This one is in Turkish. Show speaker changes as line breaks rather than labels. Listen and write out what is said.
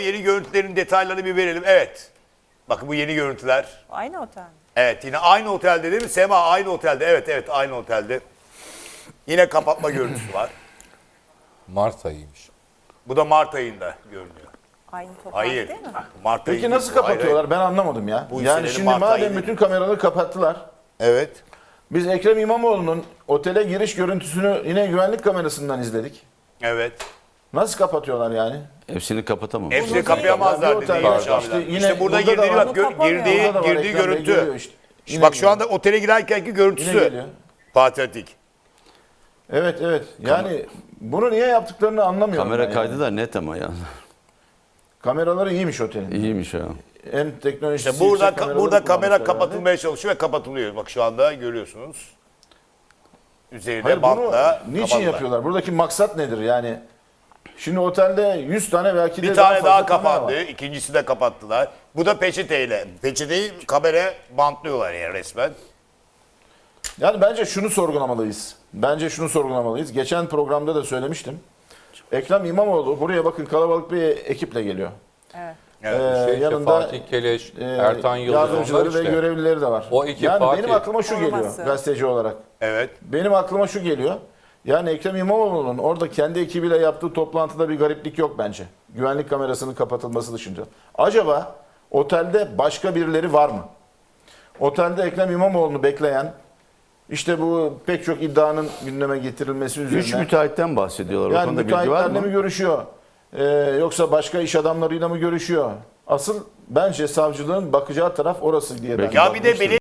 yeni görüntülerin detaylarını bir verelim. Evet. Bakın bu yeni görüntüler.
Aynı otel mi?
Evet yine aynı otelde değil mi? Sema aynı otelde. Evet aynı otelde. Yine kapatma görüntüsü var.
Mart ayıymış.
Bu da Mart ayında görünüyor.
Aynı toplantı
Hayır.
değil mi?
Mart
Peki
ayı
nasıl
değil bu. Hayır,
kapatıyorlar? Ben anlamadım ya.
Bu
Yani
senenin
şimdi
Mart
madem
ayıydı.
bütün kameraları kapattılar.
Evet.
Biz Ekrem İmamoğlu'nun otele giriş görüntüsünü yine güvenlik kamerasından izledik.
Evet.
Nasıl kapatıyorlar yani?
Hepsini kapatamam.
Hepsini
değil.
kapayamazlar
Bir
dedi
otelde
Yavaş
işte
abiler.
yine
İşte burada
burada da
girdiği
var.
bak
Bunu kapamıyor.
Burada da var,
girdiği
Ekrem Bey
görüntü.
geliyor işte. Yine
Bak şu
geliyor.
anda otele girerkenki
Yine
görüntüsü.
geliyor.
Fatih Atik.
Evet. Yani bunu niye yaptıklarını anlamıyorum.
Kamera
ben
kaydı
yani.
da net ama ya.
Kameraları iyiymiş otelin.
İyiymiş ha.
En teknolojisi
İşte burada
yüksek kameraları
burada kamera
kullanmışlar
kapatılmaya çalışıyor ve kapatılıyor. Bak şu anda görüyorsunuz. Üzerinde
Hayır, bunu
bantla
niçin
kapattılar.
yapıyorlar? Buradaki maksat nedir yani? Şimdi otelde 100 tane belki de
Bir tane daha
fazla kamera
kapandı.
var.
İkincisi de kapattılar. Bu da peçeteyle. Peçeteyi kamera bantlıyorlar yani resmen.
Yani bence şunu sorgulamalıyız. Geçen programda da söylemiştim. Ekrem İmamoğlu buraya bakın kalabalık bir ekiple geliyor.
Evet.
Evet.
İşte
Yanında
Fatih Keleş, Ertan Yıldız
yardımcıları
onlar
ve
işte.
görevlileri de var.
O ekip
yani
Fatih.
benim aklıma şu geliyor
Koruması.
gazeteci olarak.
Evet.
Benim aklıma şu geliyor. Yani Ekrem İmamoğlu'nun orada kendi ekibiyle yaptığı toplantıda bir gariplik yok bence. Güvenlik kamerasının kapatılması dışında. Acaba otelde başka birileri var mı? Otelde Ekrem İmamoğlu'nu bekleyen, işte bu pek çok iddianın gündeme getirilmesi üzerine.
3 müteahhitten bahsediyorlar. O
Yani
konuda bilgi var
müteahhitlerle
mı?
mi görüşüyor? Yoksa başka iş adamlarıyla mı görüşüyor? Asıl bence savcılığın bakacağı taraf orası diye ben
Ya bir de
bakmıştım.